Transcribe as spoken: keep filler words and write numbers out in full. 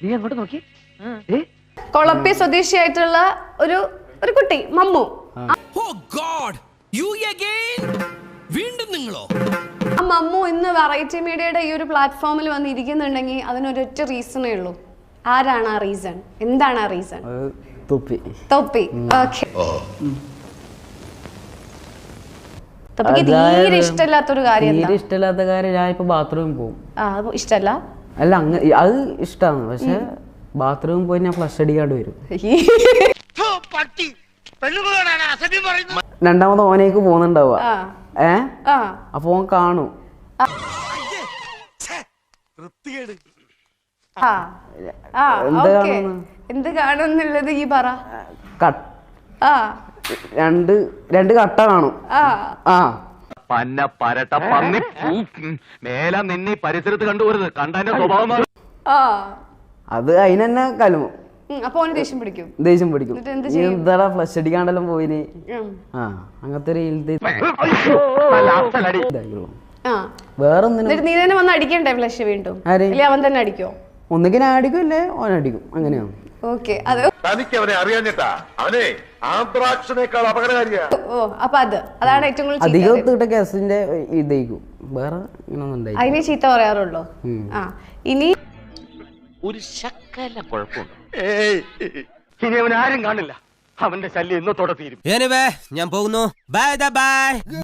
നീ അങ്ങോട്ട് നോക്കി. കൊളപ്പി സ്വദേശിയായിട്ടുള്ള ഒരു ഒരു കുട്ടി മമ്മു. വീണ്ടും നിങ്ങളോ? ആ മമ്മു ഇന്ന് വെറൈറ്റി മീഡിയയുടെ ഈ ഒരു പ്ലാറ്റ്ഫോമിൽ വന്ന് ഇരിക്കുന്നുണ്ടെങ്കിൽ അതിനൊരൊറ്റ റീസണേ ഉള്ളൂ. ആരാണ് ആ റീസൺ? എന്താണ് ആ റീസൺ? തൊപ്പി. തൊപ്പി. ഓക്കെ. തൊപ്പിക്ക് തീരെ ഇഷ്ടമില്ലാത്തൊരു കാര്യം. തീരെ ഇഷ്ടമില്ലാത്ത കാര്യം ഞാൻ ഇപ്പൊ ബാത്റൂമിൽ പോകും. ആ അത് ഇഷ്ടല്ല. അല്ല അങ്ങ അത് ഇഷ്ടമാണ്, പക്ഷെ ബാത്റൂമിൽ പോയി ഞാൻ ഫ്ലഷ് അടിക്കാണ്ട് വരും. രണ്ടാമത് ഓനേക്ക് പോകുന്നുണ്ടാവുക. ഏ അപ്പൊ ഓൻ കാണും. എന്ത് കാണുന്നുള്ളത് ഈ പറ. രണ്ട് രണ്ട് കട്ട കാണും. ആ പന്ന പരട്ട പന്നി മേല നിന്നെ പരിസരത്ത് കണ്ടുപോരുത്. കണ്ടതിന്റെ സ്വഭാവം അത് അതിനെന്നെ കലമു. അപ്പൊ ഓന് ദേഷ്യം പിടിക്കും. ദേഷ്യം പിടിക്കും. എന്താടാ ഫ്ലഷ് അടിക്കാണ്ടെല്ലാം പോയിന്. ആ അങ്ങനത്തെ ഒരു വേറൊന്നിനും നീ തന്നെ വന്ന് അടിക്കണ്ടേ ഫ്ലഷ് വീണ്ടും? അവൻ തന്നെ അടിക്കോ? ഒന്നുകിൽ ഞാൻ അടിക്കും അല്ലേ ഓൻ അടിക്കും. അങ്ങനെയാണ്. ഓക്കെ. അത് തനിക്ക് അവനെ അറിയാഞ്ഞിട്ടാ. അവനെ ആന്ത്രാക്സിനേക്കാൾ അപകടകാരിയാ. ഓ അപ്പൊ അത് അതാണ് ഏറ്റവും കൂടുതൽ അധികം തീട്ട കേസിന്റെ ഇതേക്കും. വേറെ ഇങ്ങനൊന്നും അതിനെ ചീത്ത പറയാറുള്ളൂ. ആ ഇനി ഒരു ശക്കല കുഴപ്പമുണ്ട്. ഇനി അവൻ ആരും കാണില്ല. അവന്റെ ശല്യം ഇന്നത്തോടെ തീരും. ഞാൻ പോകുന്നു. Bye by.